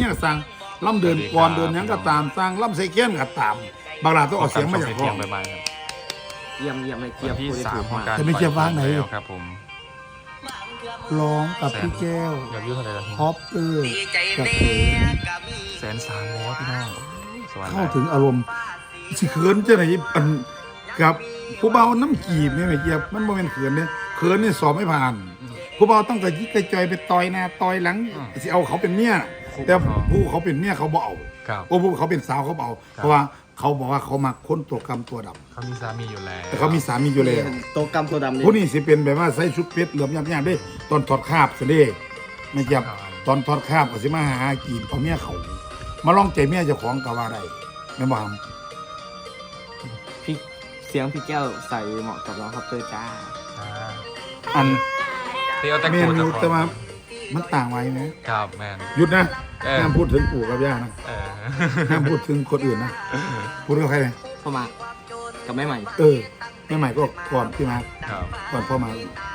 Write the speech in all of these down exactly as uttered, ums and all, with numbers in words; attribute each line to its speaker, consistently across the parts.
Speaker 1: ก็สั่งล่ำเดินก่อนเดินยังก็ตามสั่งล่ำใส่เกี้ยนก็ตามบางรายต้องเอาเสียงมาจากห้อง
Speaker 2: เยี่ยมเยี่ยมไม่เกี่ยว
Speaker 3: ที่สามของการ
Speaker 1: จะไม่เกี่ยวว่างไหน
Speaker 3: ครับผม
Speaker 1: ร้องกับพี่แก้ว
Speaker 3: อยากยืดเท่าไหร่ละ
Speaker 1: ฮอปเตอร์กับเขิน
Speaker 3: แสนสามแล้วพี่น้องสวรรค์
Speaker 1: เข้าถึงอารมณ์สิเขินจะไหนอันกับผู้เบาน้ำกีบเนี่ยไม่เกี่ยวมันโมเมนเขินเนี่ยเขินเนี่ยสอบไม่ผ่านผู้เบาต้องกระยิกกระจอยไปต่อยหน้าต่อยหลังสิเอาเขาเป็นเมียแต่ผู้เขาเป็นเมียเขาบ่เอา
Speaker 3: ครับ
Speaker 1: โอ้ผู้เขาเป็นสาวเขาบ่เอาเพราะว่าเขาบอกว่าเขามาค้นตัวกรรมตัวดำ
Speaker 3: เขามีสามีอยู่แล้ว
Speaker 1: แต่เขามีสามีอยู่แล้ว
Speaker 2: โตกรรมตัวดำนี่
Speaker 1: ผู้นี้สิเป็นแบบว่าใส่ชุดเพชรเหลือมยำๆด้วยตอนถอดคราบสิเด้ไม่เกี่ยวตอนถอดคราบก็สิมาหากีบเอาเมียเขามาลองใจเมียเจ้าของก็ว่าได้แม่บ่าม
Speaker 2: พี่เสียงพี่แก้วใส่เหมาะกับน้องครับเตอร์จ้า
Speaker 3: อ่า
Speaker 1: อัน
Speaker 3: เที่ยวแต่
Speaker 1: เม
Speaker 3: กู
Speaker 1: นู
Speaker 3: จะ
Speaker 1: แต่ว่ามันต่างไว้ไหม
Speaker 3: ครับแมน
Speaker 1: หยุดนะ
Speaker 3: เออ
Speaker 1: ห้ามพูดถึงปู่กับย่านะ
Speaker 3: เออ
Speaker 1: ห้ามพูดถึงคนอื่นนะพูดกับใครเลย
Speaker 2: เข้ามากับแม่ใหม่
Speaker 1: เออแม่ใหม่ก็ก่อนพี่มา
Speaker 3: ครับ
Speaker 1: ก่อนพ่อมา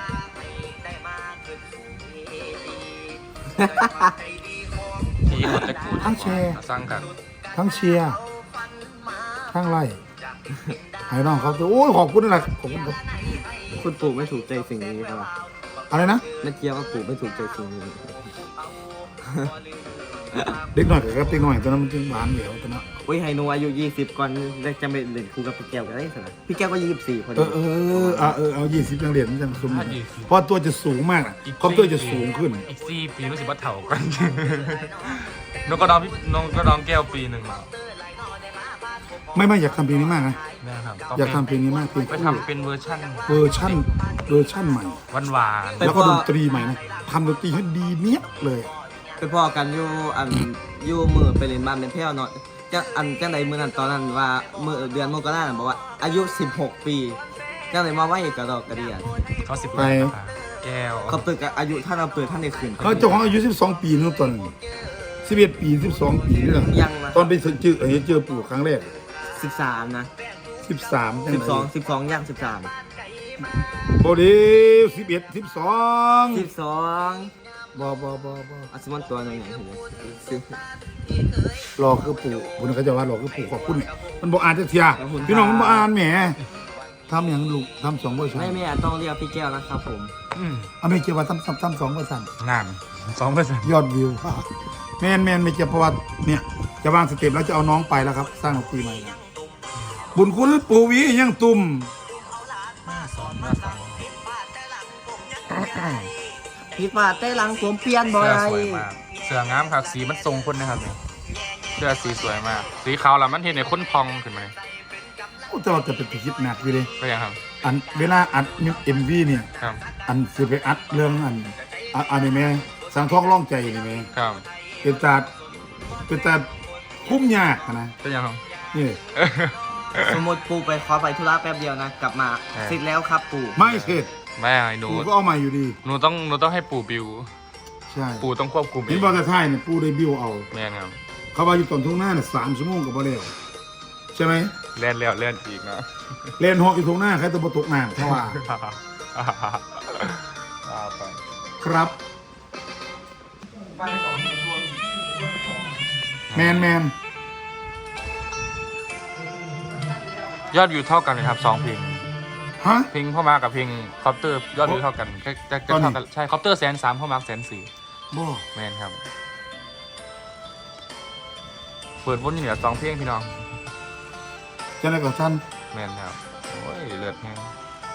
Speaker 3: ที่คนแต่กูจะสร้างกัน
Speaker 1: ทั้งเชียร์ทั้งไล่ให้น้องเขาจะโอ้ยขอบคุณนะขอบคุณครับ
Speaker 2: คุณปู่ไม่ถูกใจสิ่งนี้ครับ
Speaker 1: อะไรนะ
Speaker 2: ไม่เกี่ยวว่าปู่ไม่ถูกใจสิ่งนี้
Speaker 1: เด็กหน่อยกับเด็กหน่อยตอนนั้นมันจึงหวานเหนียวตอนนั้น
Speaker 2: โอ้ยไฮโนอายุยี่สิบก่อนจะไปเล่นคู่กับพี่แก้วกันได้สินะพี่แก้วก็ยี่สิบสี่พอ
Speaker 1: เอ
Speaker 2: ดี
Speaker 1: อเออเออเออเอายี่สิบยังเหรียญมันจะสมเพราะตัวจะสูงมากคอมพิวเตอร์จะสูงขึ้น
Speaker 3: อีกสี่ปีรู้สึกว่าเถ่ากันนกกระดองพี่นกกระดองแก้วปีหนึ่ง
Speaker 1: ไม่ไม่อยากทำเพลงนี้มากนะ
Speaker 3: นะครับ
Speaker 1: อยากทำเพลงนี้มากเพลง
Speaker 3: ไปทำเป็นเวอร์ชั่น
Speaker 1: เวอร์ชั่นเวอร์ชั่นใหม่
Speaker 3: หวานหวาน
Speaker 1: แล้วก็ดนตรีใหม่นะทำดนตรีให้ดีเนี้ยเลย
Speaker 2: ไปพ่อกันอยู่อันอยู่มือไปเล่นบ้านเป็นเที่ยวเนาะจะอันจังใดมือนั้นตอนนั้นว่ามือเดือนมกราคมบอกว่าอายุสิบหกปีจังใดมาไหวกระดอกกระเดีย
Speaker 3: เขาสิบ
Speaker 1: ไป
Speaker 3: แก้ว
Speaker 2: เขาเปิดกับอายุท่านเราเปิดท่านในคืน
Speaker 1: เขาเจ้าของอายุสิบสองปีนู่นตอนสิบเอ็ดปีสิบสองปีนี่แหละ
Speaker 2: ยังนะ
Speaker 1: ตอนไปเจอเห็นเจอปู่ครั้งแรก
Speaker 2: สิบสามนะ
Speaker 1: สิบสาม
Speaker 2: สิบสองสิบสองย่างสิบสาม
Speaker 1: โบดีสิบเอ็ดสิบสอง
Speaker 2: สิบสอง
Speaker 1: บอบอบอบอ
Speaker 2: อาซิมอนตัวหนึ่งอย่างเห็นไหมสิบ
Speaker 1: รอคือปู่คุณเขาจะว่ารอคือปู่ขอบคุณมันบอกอ่านจะเทียพี่น้องมันบอกอ่านแหมทำอย่างลูกทำสองเวอร์ชัน
Speaker 2: ไม่ไม่ต้องเรียกพี่แก้วนะครับผม
Speaker 3: อืม
Speaker 1: เอาไม่เกี่ยวว่าทำทำทำสองเวอร์ชัน
Speaker 3: งานสองเปอร์เซ็นต์
Speaker 1: ยอดวิวแมนแมนไม่เกี่ยวเพราะว่าเนี่ยจะวางสเต็ปแล้วจะเอาน้องไปแล้วครับ สร้างดนตรีใหม่แล้วบุญคุณปู่วียังตุ่ม
Speaker 3: สองมาสอง
Speaker 2: พี่ป้าใต้หลังผมเปลี่ยนบ่อ
Speaker 3: เสื้อย สวยมากเสื้องามครับสีมันทรงคนนะครับเนี่ยเสื้อสีสวยมาก สีขาวแล้วมันเห็นในคนพองขึ้นไหม
Speaker 1: แต่ว่าจะเป็นคิดหนักอยู่เลย
Speaker 3: ก็ยังครับ
Speaker 1: อันเวลาอัดเอ็มวีเนี่ย
Speaker 3: ครับ
Speaker 1: อันสิไปอัดเรื่องอันอันอันนี้แม่สังท้องร่องใจนี่แม่
Speaker 3: ครับ
Speaker 1: เป็นตาเป็นตาคุ้มยากนะ
Speaker 3: ก็ยังครับ
Speaker 1: นี่
Speaker 2: สมมติปูไปขอไปธุระแป๊บเดียวนะ กลับมาเสร็จแล้วครับปู่
Speaker 1: ไม่เสร็จ
Speaker 3: แม่ไอ้หนู
Speaker 1: ปู่ก็เอามาอยู่ดี
Speaker 3: หนูต้องหนูต้องให้ปู่บิว
Speaker 1: ใช่
Speaker 3: ปู่ต้องควบคุมเอ
Speaker 1: เห็น
Speaker 3: ง
Speaker 1: บอลแต่ท้ายเนี่ยปู่ได้บิวเอา
Speaker 3: แม่ครับ
Speaker 1: เขาว่าอยู่ตอนทุ่งหน้าเนี่ยสามชั่วโมงกับบ่แล้วใช่ไหม
Speaker 3: เล่นแล้วเล่นอีกนะ
Speaker 1: เล่นหอกอยู่ทุ่งหน้าใครตะบตกน้ำเพราะว่า
Speaker 3: เอาไป
Speaker 1: ครับ แมนแมน
Speaker 3: ยอดวิวเท่ากันเลยครับสองเพลง
Speaker 1: ฮะ
Speaker 3: เพลงพ่อมากับเพลงคอปเตอร์ยอดวิวเท่ากันจะจะจะ
Speaker 1: ตอนนี้
Speaker 3: เท่ากันใช่คอปเตอร์แสนสามพ่อมาแสนสี่
Speaker 1: บ่
Speaker 3: แมนครับ เปิดวนอยู่เหนือสองเพลงพี่น้อง
Speaker 1: จะไหนกับท่าน
Speaker 3: แมนครับโอ้ยเลือดแห้ง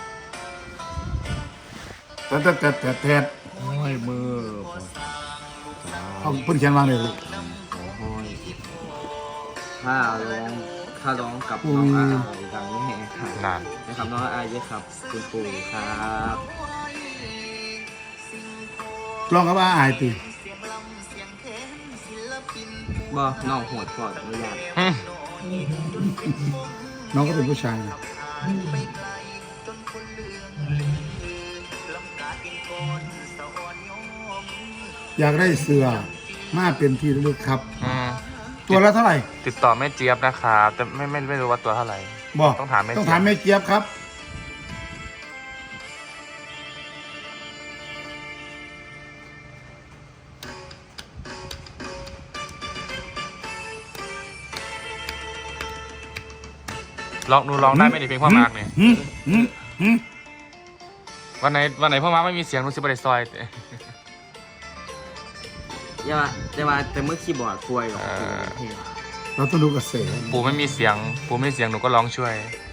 Speaker 1: แต่แต่แต่แต่แต่
Speaker 2: โอ้ยมือ
Speaker 1: เอาเพิ่นเขียนวางเลยลูก
Speaker 2: โอ้ยถ้าร้องถ้าร้องกับน้องอาดังนี้แหงค่ะ
Speaker 3: นาน
Speaker 2: นะครับน้องอาเยอะครับคุณปู่ครับ
Speaker 1: ลองกับว่าอายตี
Speaker 2: บ่น้องโหดกอดไม่ยาก
Speaker 3: อืม
Speaker 1: น้องก็เป็นผู้ชายนะอยากได้เสื้อมาเป็นที่ระลึกครับ
Speaker 3: อืม
Speaker 1: ตัวละเท่าไหร่
Speaker 3: ติดต่อแม่เจี๊ยบนะครับแต่ไม่ไม่ไม่รู้ว่าตัวเท่าไหร่
Speaker 1: บอก
Speaker 3: ต้องถามแม่
Speaker 1: ต้อง
Speaker 3: เจี๊ยบ
Speaker 1: ถามแม่เจี๊ยบครับ
Speaker 3: ลองหนูลองได้ไหมในเพลงพ่อมาร์กเนี่ย
Speaker 1: หืมหืมหืม
Speaker 3: วันไหนวันไหนพ่อมาร์กไม่มีเสียงหนูสิบไปซอย
Speaker 2: อย่าว่าแต่ว่าแต่เมื่อคีย์บอร์ดป่วยหรอก
Speaker 3: เออ
Speaker 2: เพลง
Speaker 1: เราต้องดูกระแส
Speaker 3: ปู่ไม่มีเสียงปู่ไม่มีเสียงหนูก็ร้องช่วย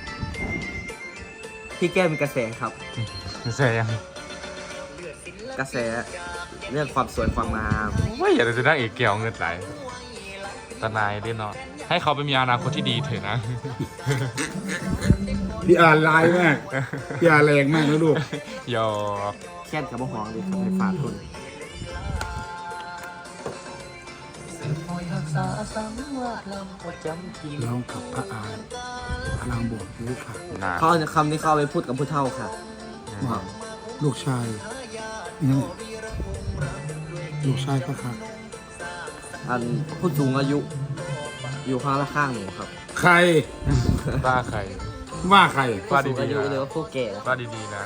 Speaker 2: พี่แก้วมีกระแสครับ
Speaker 3: เสียง
Speaker 2: กระแสเรื่องความสวยความงาม
Speaker 3: ว่าอย่าจะได้เอกเกี่ยวเงินไหลตานายด้วยเนาะให้เขาไปมีอนาคตที่ดีเถอะนะ
Speaker 1: พี่อาร์ลายมากพี่อาร์แรงมากนะลูก
Speaker 3: หยอก
Speaker 2: แค่นกับมะฮวงเลยครับให้ฝากคุณ
Speaker 1: ร้องกับพระอาร์พลังบวกรู้ค่ะ
Speaker 3: นะ
Speaker 2: เขาเอาคำนี้เข้าไปพูดกับผู้เฒ่าค่ะ
Speaker 1: ว่าลูกชายนี่ลูกชายพระค่ะ
Speaker 2: อันผู้สูงอายุ อยู่ข้างละข้างหนูครับ
Speaker 1: ใคร
Speaker 3: บ้าใคร
Speaker 1: ว่าใคร
Speaker 3: ว่า
Speaker 2: ผู้สูงอา
Speaker 3: ดี
Speaker 2: ยุ
Speaker 3: ๆ
Speaker 2: หรือ
Speaker 3: นะ
Speaker 2: ว่าผู้แก่
Speaker 3: ว่าดีๆนะ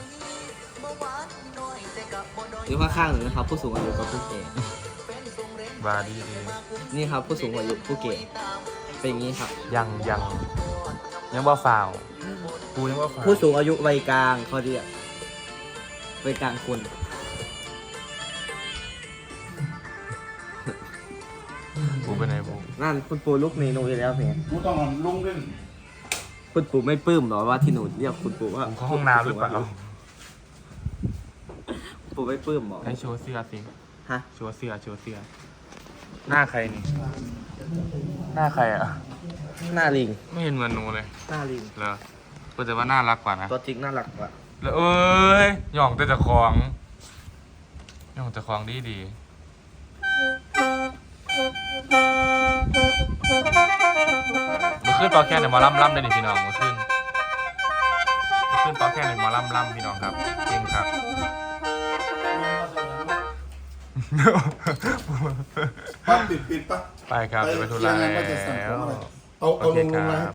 Speaker 2: อยู่ข้างข้างหนูนะครับ ผู้สูงอายุกับผู้แก่
Speaker 3: ว่าดี
Speaker 2: นี่ครับผู้สูงอายุผู้แก่เป็นอย่างนี้ครับ
Speaker 3: ๆยังยังยังว่าฝ่าวกูยังว่าฝ่าว
Speaker 2: ผู้สูงอายุวัยกลางเขาเรียกวัยกลางคน
Speaker 3: กูเป็นไงบู
Speaker 2: นั่นคุณปู่ลูกนี้หนูอีกแล้วเนี่ย
Speaker 1: กูต้องลุงด้วย
Speaker 2: คุณปู่ไม่ปลื้มหรอว่าที่หนูเรียกคุณปู่ว่า
Speaker 3: ผมเข้าห้องน้ำหรือเปล่า
Speaker 2: คุณปู่ไม่ปลื้มหรอ
Speaker 3: ให้โชว์เสื้อสิ
Speaker 2: ฮะ
Speaker 3: โชว์เสื้อโชว์เสื้อหน้าใครนี่ หน้าใครอ่ะ
Speaker 2: หน้าลิง
Speaker 3: ไม่เห็นเหมือนหนูเลย
Speaker 2: หน้าลิง
Speaker 3: เหรอก็แต่ว่าน่ารักกว่านะ
Speaker 2: ตัวจริงน่ารักกว่า
Speaker 3: แล้วเอ้ยหย่องแต่จะคลองหย่องแต่คลองดีดีมาขึ้นเปาแค่ในหมอลำลำได้ดิพี่น้องมาขึ้นมาขึ้นเปาแค่ในหมอลำลำพี่น้องครับจริงครับ
Speaker 1: ปั๊บปิดปิดปะ
Speaker 3: ไปครับเดี๋ยวไปทุ
Speaker 1: เรี
Speaker 3: ระ
Speaker 1: ยน
Speaker 3: แล้
Speaker 1: งานว่าจะสั่งของ
Speaker 3: ว
Speaker 1: อะไรเอาเอา
Speaker 3: โอเค
Speaker 1: ลง
Speaker 3: ค
Speaker 1: ลง
Speaker 3: รั
Speaker 1: มา
Speaker 3: บ